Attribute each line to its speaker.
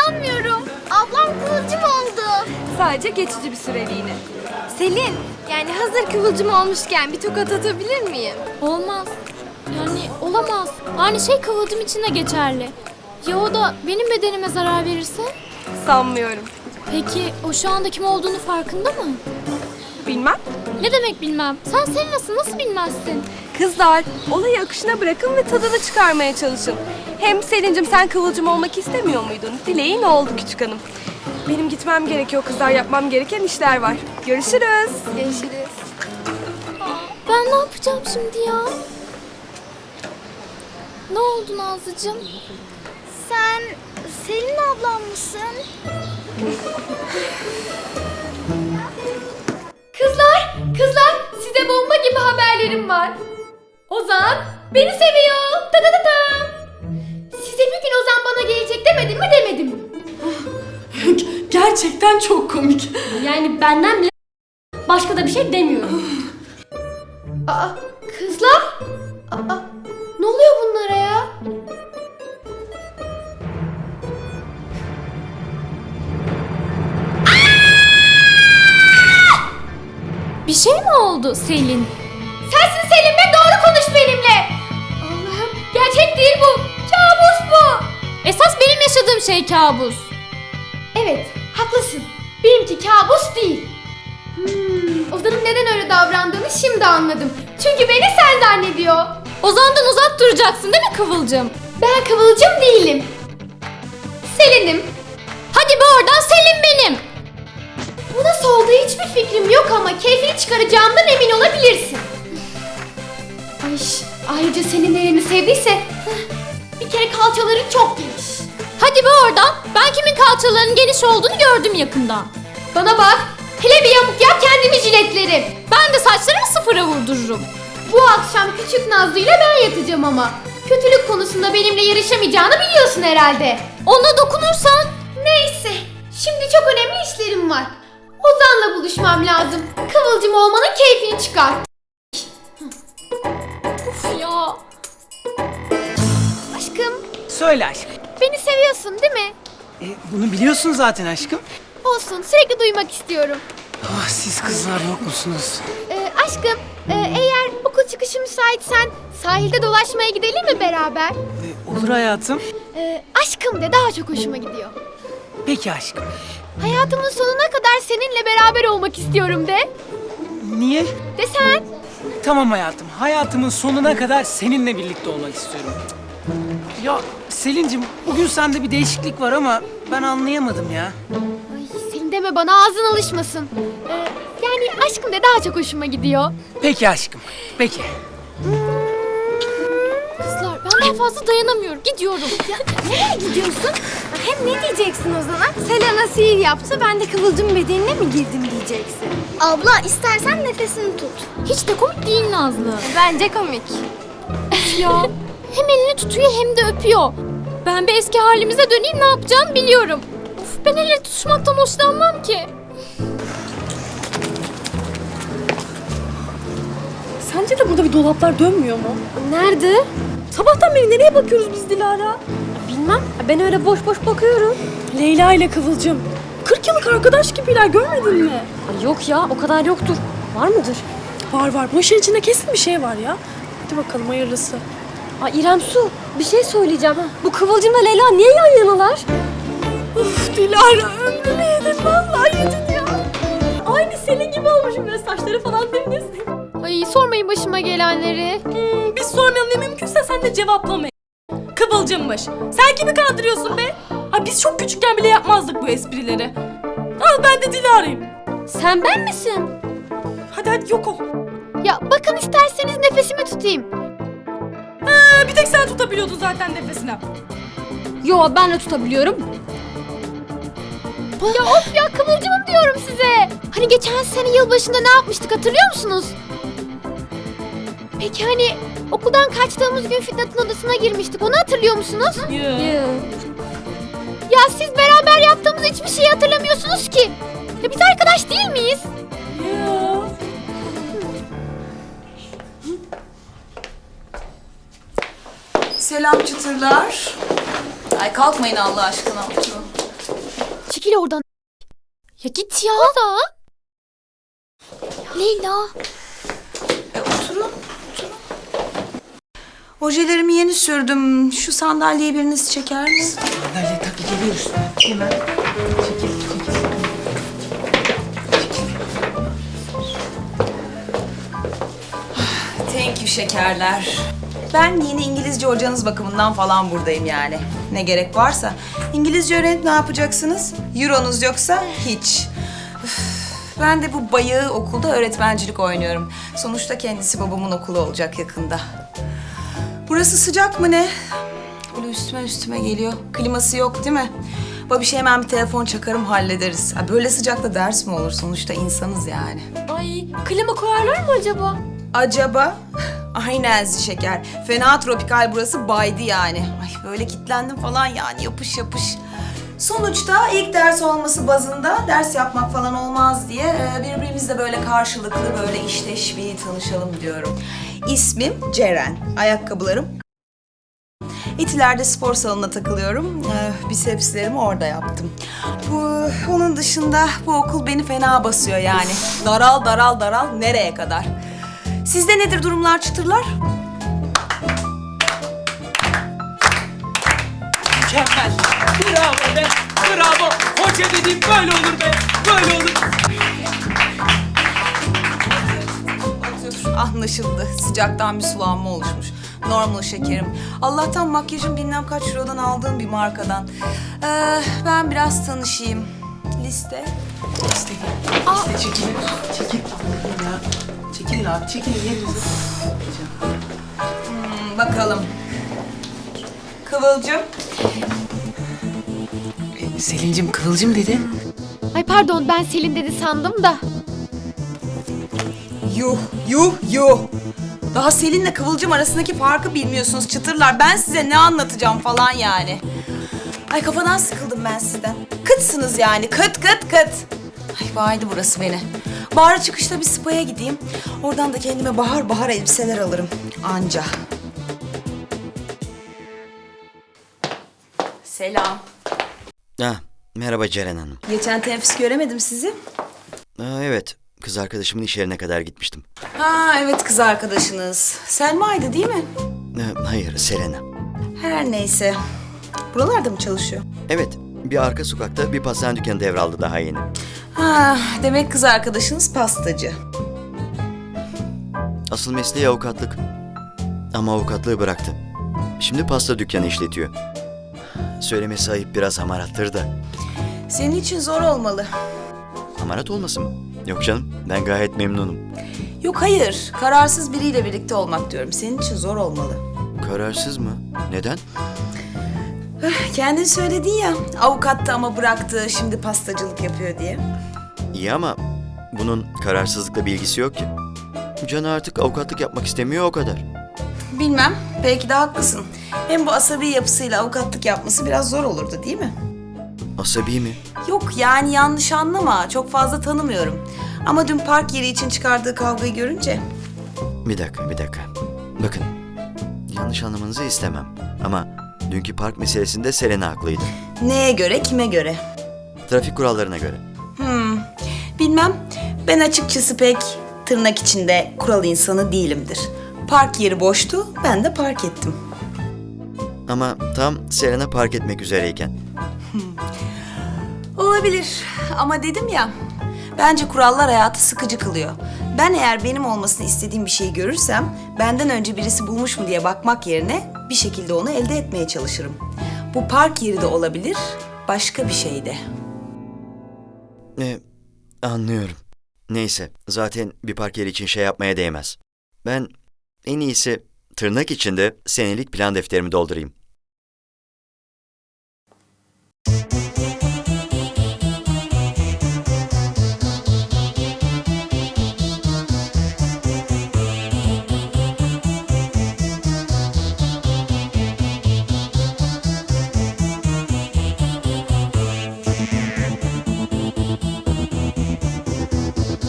Speaker 1: İnanmıyorum. Ablam kıvılcım oldu.
Speaker 2: Sadece geçici bir süreliğine.
Speaker 1: Selin, yani hazır kıvılcım olmuşken bir tokat atabilir miyim?
Speaker 3: Olmaz. Yani olamaz. Aynı şey kıvılcım için de geçerli. Ya o da benim bedenime zarar verirse?
Speaker 2: Sanmıyorum.
Speaker 3: Peki o şu anda kim olduğunu farkında mı?
Speaker 2: Bilmem.
Speaker 3: Ne demek bilmem. Sen nasıl bilmezsin?
Speaker 2: Kızlar, olayı akışına bırakın ve tadını çıkarmaya çalışın. Hem Selin'cim sen kıvılcım olmak istemiyor muydun? Dileğin oldu küçük hanım. Benim gitmem gerekiyor kızlar. Yapmam gereken işler var. Görüşürüz.
Speaker 1: Görüşürüz.
Speaker 3: Ben ne yapacağım şimdi ya? Ne oldu Nazlıcığım?
Speaker 1: Sen Selin ablam mısın?
Speaker 3: Kızlar size bomba gibi haberlerim var. Ozan beni seviyor. Ta ta ta ta. Size bir gün Ozan bana gelecek demedim mi demedim.
Speaker 4: Gerçekten çok komik.
Speaker 3: Yani benden bile başka da bir şey demiyorum. Aa, kızlar? Aa, ne oluyor bunlara ya? Bir şey mi oldu Selin? Sensin Selin ve doğru konuş benimle. Allah'ım gerçek değil bu. Kabus bu. Esas benim yaşadığım şey kabus. Evet haklısın. Benimki kabus değil. Ozan'ın neden öyle davrandığını şimdi anladım. Çünkü beni sen zannediyor. Ozan'dan uzak duracaksın değil mi Kıvılcım? Ben Kıvılcım değilim. Selin'im. Hadi be oradan Selin benim. Bu nasıl olduğu hiçbir fikrim yok ama keyfini çıkaracağımdan emin olabilirsin. Ay, ayrıca senin nelerini sevdiyse bir kere kalçaların çok geniş. Hadi be oradan. Ben kimin kalçalarının geniş olduğunu gördüm yakından. Bana bak. Hele bir yamuk yap kendimi jiletlerim. Ben de saçlarımı sıfıra vurdururum. Bu akşam küçük Nazlı'yla ben yatacağım ama. Kötülük konusunda benimle yarışamayacağını biliyorsun herhalde. Ona dokunursan. Neyse. Şimdi çok önemli işlerim var. Ozan'la buluşmam lazım. Kıvılcım olmanın keyfini çıkar. Uf ya.
Speaker 1: Aşkım,
Speaker 5: Söyle aşkım.
Speaker 1: beni seviyorsun değil mi?
Speaker 5: Bunu biliyorsun zaten aşkım.
Speaker 1: Olsun, sürekli duymak istiyorum.
Speaker 5: Ah, siz kızlar yok musunuz?
Speaker 1: Aşkım, eğer okul çıkışı müsaitsen sahilde dolaşmaya gidelim mi beraber?
Speaker 5: Olur hayatım.
Speaker 1: Aşkım de daha çok hoşuma gidiyor.
Speaker 5: Peki aşkım.
Speaker 1: Hayatımın sonuna kadar seninle beraber olmak istiyorum de.
Speaker 5: Niye?
Speaker 1: De sen.
Speaker 5: Tamam hayatım. Hayatımın sonuna kadar seninle birlikte olmak istiyorum. Ya Selin'cim bugün sende bir değişiklik var ama ben anlayamadım ya.
Speaker 1: Ay senin deme bana ağzın alışmasın. Yani aşkım de daha çok hoşuma gidiyor.
Speaker 5: Peki aşkım. Peki.
Speaker 3: Kızlar ben daha fazla dayanamıyorum. Gidiyorum.
Speaker 1: Nereye gidiyorsun? Hem ne diyeceksin o zaman? Selena sihir yaptı, ben de Kıvılcım bedenine mi girdim diyeceksin. Abla istersen nefesini tut.
Speaker 3: Hiç de komik değil Nazlı.
Speaker 1: Bence komik.
Speaker 3: Ya hem elini tutuyor hem de öpüyor. Ben bir eski halimize döneyim ne yapacağımı biliyorum. Of ben elle tutuşmaktan hoşlanmam ki.
Speaker 4: Sence de burada bir dolaplar dönmüyor mu?
Speaker 1: Nerede?
Speaker 4: Sabahtan beri nereye bakıyoruz biz Dilara?
Speaker 1: Bilmem. Ben öyle boş boş bakıyorum.
Speaker 4: Leyla ile Kıvılcım. 40 yıllık arkadaş gibiler, görmedin mi?
Speaker 6: Ay yok ya, o kadar yoktur. Var mıdır?
Speaker 4: Var. Bu işin içinde kesin bir şey var ya. Hadi bakalım hayırlısı.
Speaker 6: Ay İrem Su, bir şey söyleyeceğim. Bu Kıvılcım'la Leyla niye yan yanalar?
Speaker 4: Uf Dilara, ömrümü yedin, vallahi yedin ya. Aynı senin gibi olmuşum böyle, saçları falan dümdüz.
Speaker 3: Ay sormayın başıma gelenleri.
Speaker 4: Biz sormayalım, ne mümkünse sen de cevaplamayın. Kıvılcımmış. Sen kimi kandırıyorsun be? Ay biz çok küçükken bile yapmazdık bu esprileri. Al ben de Dilara'yım.
Speaker 6: Sen ben misin?
Speaker 4: Hadi yok ol.
Speaker 1: Ya bakın isterseniz nefesimi tutayım.
Speaker 4: Bir tek sen tutabiliyordun zaten nefesini.
Speaker 6: Yo, ben de tutabiliyorum.
Speaker 1: Ya of ya Kıvılcımım diyorum size. Hani geçen sene yılbaşında ne yapmıştık hatırlıyor musunuz? Peki hani okuldan kaçtığımız gün Fitnat'ın odasına girmiştik, onu hatırlıyor musunuz? Ya siz beraber yaptığımız hiçbir şeyi hatırlamıyorsunuz ki. Ya biz arkadaş değil miyiz?
Speaker 7: Selam çıtırlar. Ay kalkmayın Allah aşkına. Oturun.
Speaker 1: Çekil oradan.
Speaker 3: Ya git ya. Ozan.
Speaker 1: Leyla.
Speaker 7: Oturun. Ojelerimi yeni sürdüm. Şu sandalyeyi biriniz çeker mi?
Speaker 5: Sandalye tabii geliyoruz. Hemen. Çekil.
Speaker 7: Thank you şekerler. Ben yeni İngilizce hocanız bakımından falan buradayım yani. Ne gerek varsa. İngilizce öğrenip ne yapacaksınız? Euronuz yoksa hiç. Üf, ben de bu bayağı okulda öğretmencilik oynuyorum. Sonuçta kendisi babamın okulu olacak yakında. Burası sıcak mı ne? Böyle üstüme geliyor. Kliması yok değil mi? Babişe hemen bir telefon çakarım hallederiz. Ha, böyle sıcakta ders mi olur? Sonuçta insanız yani.
Speaker 3: Ay klima koyarlar mı acaba?
Speaker 7: Acaba? Aynen şeker. Fena tropikal burası baydı yani. Ay böyle kilitlendim falan yani yapış yapış. Sonuçta ilk ders olması bazında ders yapmak falan olmaz diye birbirimizle böyle karşılıklı böyle işteş bir tanışalım diyorum. İsmim Ceren. Ayakkabılarım. Etiler'de spor salonuna takılıyorum. Bisepslerimi orada yaptım. Onun dışında bu okul beni fena basıyor yani. Daral nereye kadar? Sizde nedir durumlar çıtırlar?
Speaker 5: Mükemmel. Bravo be. Bravo. Hoca dediğim böyle olur be. Böyle olur.
Speaker 7: Anlaşıldı. Sıcaktan bir sulanma oluşmuş. Normal şekerim. Allah'tan makyajım bilmem kaç eurodan aldığım bir markadan. Ben biraz tanışayım. Liste.
Speaker 5: Çekilin. Çekil. Allah'ım ya. Çekilin abi. Çekilin yerinize.
Speaker 7: Bakalım. Kıvılcım.
Speaker 5: Selin'cim Kıvılcım dedi.
Speaker 1: Ay pardon ben Selin dedi sandım da.
Speaker 7: Yuh. Daha Selin'le Kıvılcım arasındaki farkı bilmiyorsunuz çıtırlar. Ben size ne anlatacağım falan yani. Ay kafadan sıkıldım ben sizden. Kıtsınız yani. Kıt. Ay baydı burası beni. Bahar çıkışta bir spa'ya gideyim. Oradan da kendime bahar elbiseler alırım. Anca. Selam.
Speaker 8: Merhaba Ceren Hanım.
Speaker 7: Geçen teneffüs göremedim sizi.
Speaker 8: Evet, kız arkadaşımın iş yerine kadar gitmiştim.
Speaker 7: Ha evet kız arkadaşınız. Selma'ydı değil mi?
Speaker 8: Hayır, Selena.
Speaker 7: Her neyse. Buralarda mı çalışıyor?
Speaker 8: Evet, bir arka sokakta bir pastane dükkanı devraldı daha yeni.
Speaker 7: Ha, demek kız arkadaşınız pastacı.
Speaker 8: Asıl mesleği avukatlık. Ama avukatlığı bıraktı. Şimdi pasta dükkanı işletiyor. Söylemesi ayıp, biraz hamarattır da.
Speaker 7: Senin için zor olmalı.
Speaker 8: Hamarat olmasın mı? Yok canım, ben gayet memnunum.
Speaker 7: Yok hayır, kararsız biriyle birlikte olmak diyorum. Senin için zor olmalı.
Speaker 8: Kararsız mı? Neden?
Speaker 7: Kendin söyledin ya, avukattı ama bıraktı, şimdi pastacılık yapıyor diye.
Speaker 8: İyi ama bunun kararsızlıkla bir ilgisi yok ki. Canı artık avukatlık yapmak istemiyor, o kadar.
Speaker 7: Bilmem, belki de haklısın. Hem bu asabi yapısıyla avukatlık yapması biraz zor olurdu değil mi?
Speaker 8: Asabi mi?
Speaker 7: Yok yani yanlış anlama, çok fazla tanımıyorum. Ama dün park yeri için çıkardığı kavgayı görünce...
Speaker 8: Bir dakika. Bakın, yanlış anlamanızı istemem. Ama dünkü park meselesinde Selena haklıydı.
Speaker 7: Neye göre, kime göre?
Speaker 8: Trafik kurallarına göre.
Speaker 7: Bilmem, ben açıkçası pek tırnak içinde kural insanı değilimdir. Park yeri boştu, ben de park ettim.
Speaker 8: Ama tam Selena park etmek üzereyken.
Speaker 7: Olabilir ama dedim ya, bence kurallar hayatı sıkıcı kılıyor. Ben eğer benim olmasını istediğim bir şeyi görürsem, benden önce birisi bulmuş mu diye bakmak yerine bir şekilde onu elde etmeye çalışırım. Bu park yeri de olabilir, başka bir şey de.
Speaker 8: Anlıyorum. Neyse, zaten bir park yeri için şey yapmaya değmez. Ben en iyisi tırnak içinde senelik plan defterimi doldurayım.